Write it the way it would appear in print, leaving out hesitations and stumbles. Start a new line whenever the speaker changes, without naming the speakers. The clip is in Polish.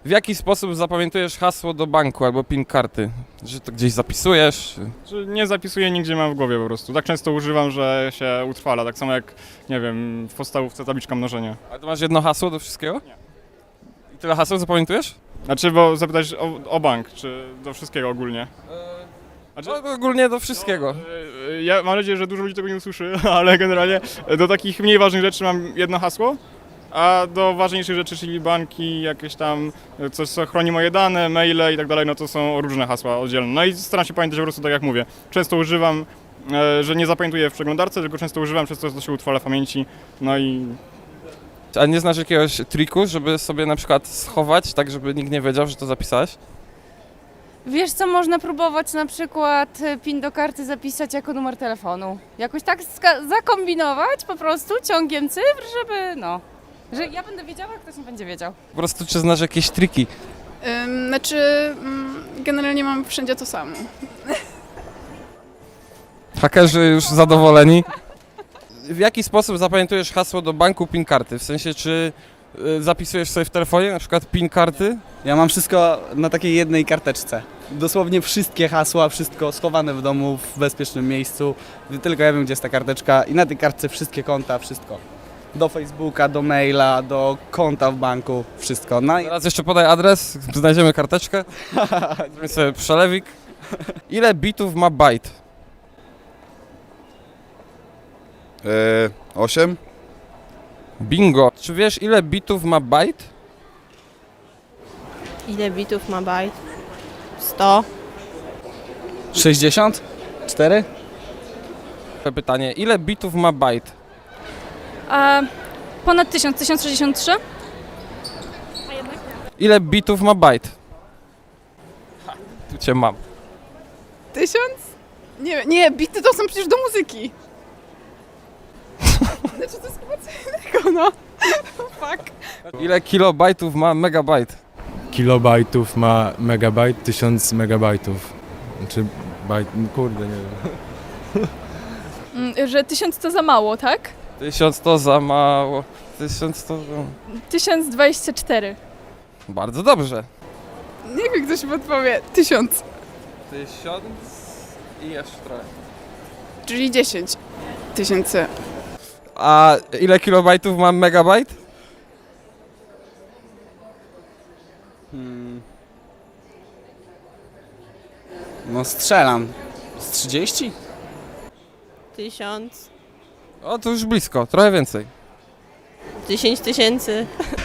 W jaki sposób zapamiętujesz hasło do banku albo PIN karty? Że to gdzieś zapisujesz?
Że nie zapisuję nigdzie, mam w głowie po prostu. Tak często używam, że się utrwala. Tak samo jak, nie wiem, w podstawówce tabliczka mnożenia.
A ty masz jedno hasło do wszystkiego?
Nie.
I tyle haseł zapamiętujesz?
Znaczy, bo zapytać o bank, czy do wszystkiego ogólnie. Znaczy,
No, ogólnie do wszystkiego.
Ja mam nadzieję, że dużo ludzi tego nie usłyszy, ale generalnie do takich mniej ważnych rzeczy mam jedno hasło, a do ważniejszych rzeczy, czyli banki, jakieś tam coś, co chroni moje dane, maile i tak dalej, no to są różne hasła oddzielne. No i staram się pamiętać po prostu tak jak mówię. Często używam, że nie zapamiętuję w przeglądarce, tylko często używam, przez to się utrwala w pamięci, no i
A nie znasz jakiegoś triku, żeby sobie na przykład schować, tak żeby nikt nie wiedział, że to zapisałeś?
Wiesz co, można próbować na przykład PIN do karty zapisać jako numer telefonu. Jakoś tak zakombinować po prostu ciągiem cyfr, żeby że ja będę wiedziała, a ktoś nie będzie wiedział.
Po prostu czy znasz jakieś triki?
Generalnie mam wszędzie to samo.
Hakerzy już zadowoleni. W jaki sposób zapamiętujesz hasło do banku PIN karty? W sensie, czy zapisujesz sobie w telefonie na przykład PIN karty?
Ja mam wszystko na takiej jednej karteczce. Dosłownie wszystkie hasła, wszystko schowane w domu, w bezpiecznym miejscu. Tylko ja wiem, gdzie jest ta karteczka i na tej kartce wszystkie konta, wszystko. Do Facebooka, do maila, do konta w banku, wszystko. No i
Teraz jeszcze podaj adres, znajdziemy karteczkę. Zrobimy sobie przelewik. Ile bitów ma bajt?
8?
Bingo. Czy wiesz, ile bitów ma bajt?
Ile bitów ma bajt? 100.
64?
Pytanie, ile bitów ma bajt?
Ponad 1000, 1063?
Ile bitów ma bajt? Tu cię mam.
1000? Nie, bity to są przecież do muzyki. Znaczy to jest chyba co innego, no. Fuck.
Ile kilobajtów ma megabajt?
Kilobajtów ma megabajt, 1000 megabajtów. Czy bajt, kurde, nie wiem.
Że 1000 to za mało, tak?
1000 to za mało. 1000 to...
1024.
Bardzo dobrze.
Niech mi ktoś podpowie. 1000.
1000 i jeszcze trochę.
Czyli 10 tysięcy.
A ile kilobajtów ma megabajt?
No strzelam. Z 30?
1000.
O, to już blisko, trochę więcej.
10 000.